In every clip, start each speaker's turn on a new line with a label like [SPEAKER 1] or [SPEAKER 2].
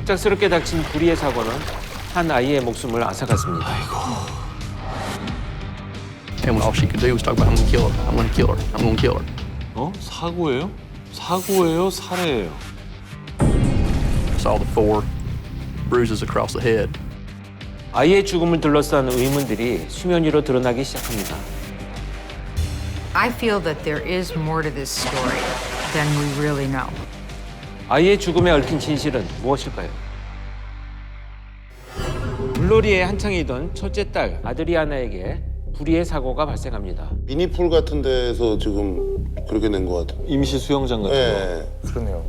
[SPEAKER 1] 갑작스럽게 닥친 불의의 사고는 한 아이의 목숨을 앗아갔습니다.
[SPEAKER 2] And all she could do was talk about, I'm gonna kill her, I'm gonna kill her, I'm gonna kill her.
[SPEAKER 3] 어? 사고예요? 사고예요? 살해예요?
[SPEAKER 2] I saw the 4 bruises across the head.
[SPEAKER 1] 아이의 죽음을 둘러싼 의문들이 수면 위로 드러나기 시작합니다.
[SPEAKER 4] I feel that there is more to this story than we really know.
[SPEAKER 1] 아이의 죽음에 얽힌 진실은 무엇일까요? 물놀이에 한창이던 첫째 딸 아드리아나에게 불의의 사고가 발생합니다.
[SPEAKER 5] 미니풀 같은 데서 지금 그렇게 된 것 같아요.
[SPEAKER 3] 임시 수영장 같은
[SPEAKER 5] 네.
[SPEAKER 6] 그러네요.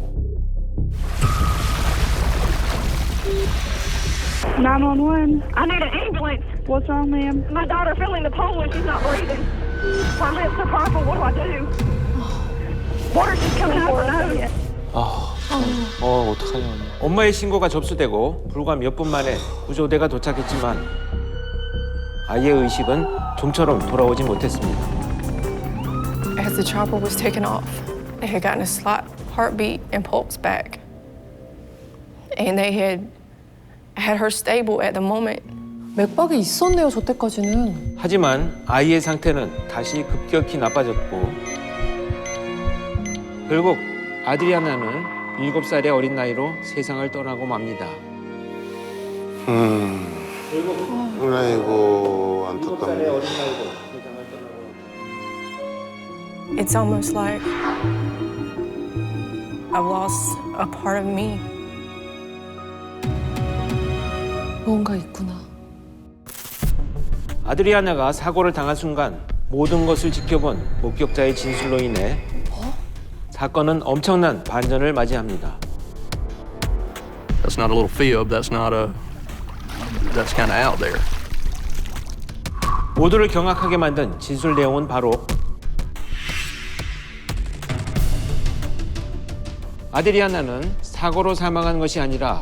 [SPEAKER 7] 911.
[SPEAKER 8] I need an ambulance.
[SPEAKER 7] What's wrong, ma'am?
[SPEAKER 8] My daughter fell in the pool and she's not breathing. Her lips are purple. What do I do? Water's just coming out of her nose.
[SPEAKER 3] 어떡하냐.
[SPEAKER 1] 엄마의 신고가 접수되고 불과 몇 분 만에 구조대가 도착했지만 아이의 의식은 좀처럼 돌아오지 못했습니다.
[SPEAKER 9] As the chopper was taken off, they had gotten a slight heartbeat and pulse back. And they had her stable at the moment.
[SPEAKER 10] 맥박이 있었네요, 저 때까지는.
[SPEAKER 1] 하지만 아이의 상태는 다시 급격히 나빠졌고 결국 아드리아나는 7살의 어린 나이로 세상을 떠나고 맙니다.
[SPEAKER 5] 아이고 안타깝네.
[SPEAKER 1] 어린 나이로 세상을 떠나고
[SPEAKER 9] It's almost like I've lost a part of me.
[SPEAKER 10] 뭔가 있구나.
[SPEAKER 1] 아드리아나가 사고를 당한 순간 모든 것을 지켜본 목격자의 진술로 인해 사건은 엄청난 반전을 맞이합니다.
[SPEAKER 2] That's not a little fib, that's kind of out there.
[SPEAKER 1] 모두를 경악하게 만든 진술 내용은 바로 아드리아나는 사고로 사망한 것이 아니라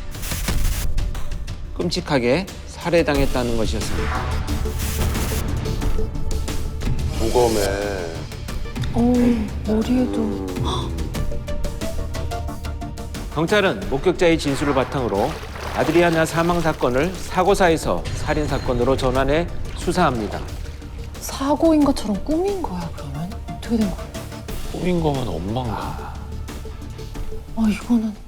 [SPEAKER 1] 끔찍하게 살해당했다는 것이었습니다.
[SPEAKER 5] 무검에
[SPEAKER 10] 머리에도.
[SPEAKER 1] 경찰은 목격자의 진술을 바탕으로 아드리아나 사망 사건을 사고사에서 살인 사건으로 전환해 수사합니다.
[SPEAKER 10] 사고인 것처럼 꾸민 거야, 그러면? 어떻게 된 거야?
[SPEAKER 3] 꾸민 거면 엄마인가?
[SPEAKER 10] 이거는